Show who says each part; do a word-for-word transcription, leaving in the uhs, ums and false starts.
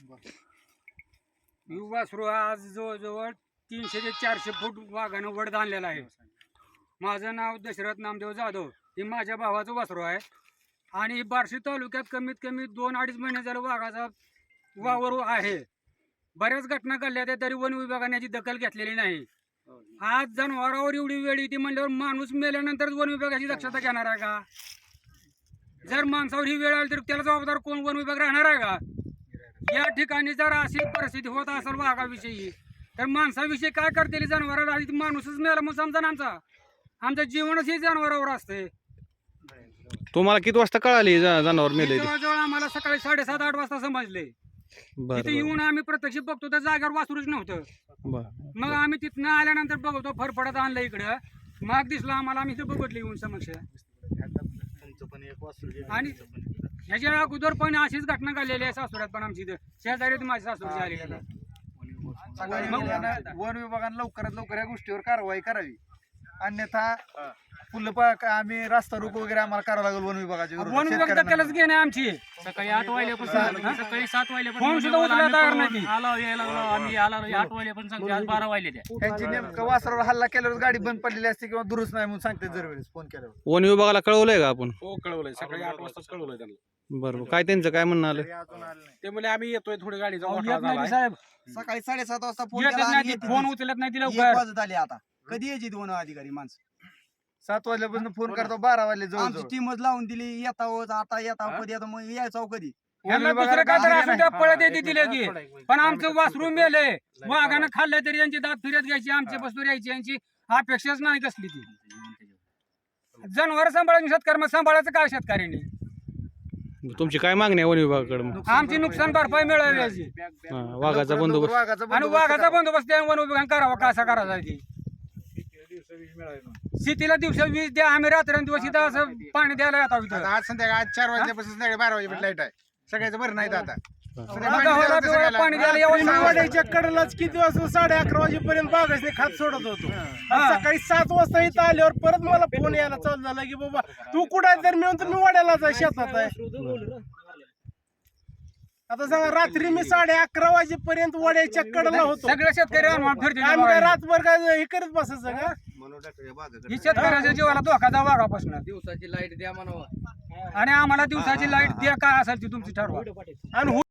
Speaker 1: वासरू आज जवळजवळ तीनशे ते चारशे फूट वाघानं वड आणलेला आहे. माझं नाव दशरथ नामदेव जाधव. हे माझ्या भावाचं वासरू आहे आणि बार्शी तालुक्यात कमीत कमी दोन अडीच महिने झालं वाघाचा वावर आहे. बऱ्याच घटना घडल्या त्या तरी वन विभागाने याची दखल घेतलेली नाही. आज जनावरावर एवढी वेळ येते म्हणल्यावर माणूस मेल्यानंतर वन विभागाची दक्षता घेणार आहे का? जर माणसावर ही वेळ आली तर त्याला जबाबदार कोण? वन विभाग राहणार आहे का? या ठिकाणी जर अशी परिस्थिती होत असेल वाघाविषयी तर माणसाविषयी काय करतील? जनावराला आधी माणूसच मेला मग समजा ना, आमचा आमचं जीवनच हे जनावरावर असते.
Speaker 2: तुम्हाला किती वाजता कळाली जनावर मेले?
Speaker 1: जवळजवळ आम्हाला सकाळी साडेसात आठ वाजता समजले. तिथे येऊन आम्ही प्रत्यक्ष बघतो तर जागेवर वासरूच नव्हतं. मग आम्ही तिथनं आल्यानंतर बघतो फरफडत आणलं इकडं. मग दिसलं आम्हाला, आम्ही इथं बघितलं येऊन समक्ष. आणि ह्याच्या अगोदर पण अशीच घटना घडलेली आहे सासुरात पण आमची इथं शेजारी माझी सासूरची आलेली आहे.
Speaker 3: वन विभागाने लवकरात लवकर या गोष्टीवर कारवाई करावी, अन्यथा फुल आम्ही रास्ता रोको वगैरे आम्हाला करावं लागेल वन विभागाच्या विरोधात.
Speaker 1: वन विभाग दखलच घेणे आमची.
Speaker 4: सकाळी आठ वाजल्यापासून सकाळी सात
Speaker 1: फोन सुद्धा उचलायला तयार नाही.
Speaker 4: आलो यायला लागलो आम्ही आला आठ वाजल्यापासून सांगते आज बारा वाजले त्या.
Speaker 3: त्यांची नेमकं वासरावर हल्ला केल्यावर गाडी बंद पडलेली असते किंवा दुरुस्त नाही म्हणून सांगते दरवेळेस फोन केल्यावर.
Speaker 2: वन विभागाला कळवलंय का आपण?
Speaker 5: हो कळवलंय, सकाळी आठ वाजता कळवलंय त्यांना.
Speaker 2: बरोबर. काय त्यांचं काय म्हणणं आलं?
Speaker 5: ते म्हणजे आम्ही येतोय, थोडी गाडी
Speaker 1: येत नाही साहेब.
Speaker 6: सकाळी साडेसात वाजता फोन
Speaker 1: येतच
Speaker 6: केला
Speaker 1: नाही,
Speaker 6: आणि
Speaker 1: फोन उचलत नाही.
Speaker 6: एक
Speaker 1: तिला
Speaker 6: वाजत आले. आता कधी यायची दोन अधिकारी माणसं?
Speaker 3: सात वाजल्यापासून फोन करतो बारा वाजले
Speaker 6: आमची
Speaker 3: जवळ.
Speaker 6: टीमच लावून दिली. येता आता येता कधी आता मग यायचा कधी?
Speaker 1: दुसरं काय तर असू द्या, पळत येते तिला की. पण आमचं वासरू मेले, वाघानं खाल्लं तरी यांची दात फिरत घ्यायची, आमची बस्तूर यायची, यांची अपेक्षाच नाही कसली ती. जनावर सांभाळून शेतकरी मग सांभाळायचं काय शेतकऱ्यांनी?
Speaker 2: तुमची काय मागणी आहे वन विभागाकडे?
Speaker 1: आमची नुकसान भरपाई मिळावी याची
Speaker 2: वाघाचा बंदोबस्त
Speaker 3: वाघाचा
Speaker 1: आणि वाघाचा बंदोबस्त त्या वन विभागाने करावा. कसा करायचा ती? शेतीला दिवसा वीज द्या, आम्ही रात्रंदिवस इथं असं पाणी द्यायला येतो इथं.
Speaker 3: आज संध्याकाळी आज चार वाजल्यापासून संध्याकाळी बारा वाजेपर्यंत लाईट आहे. सगळ्याचं बरं नाही आता.
Speaker 1: पाणी द्यायला यावं.
Speaker 7: वाड्याच्या कडेलाच किती वाजता साडे अकरा वाजेपर्यंत बागाचे खात सोडत होतो. सकाळी सात वाजता इथं आल्यावर परत मला फोन यायला चालू झाला की बाबा तू कुठं आहे? तर मी म्हणतो मी वाड्यालाच आहे, शेतात आहे. आता सांगा, रात्री मी साडे अकरा वाजेपर्यंत वाड्याच्या कडेला होतो.
Speaker 1: सगळे शेतकरी अनुमान फिरतील.
Speaker 7: आम्ही काय रातभर काय हे करत बसायचं का?
Speaker 1: ही शेतकऱ्याच्या जीवाला धोका वाघापासून.
Speaker 6: दिवसाची लाईट द्या म्हणावं
Speaker 1: आणि आम्हाला दिवसाची लाईट द्या, काय असेल ती तुमची ठरवा.
Speaker 7: आणि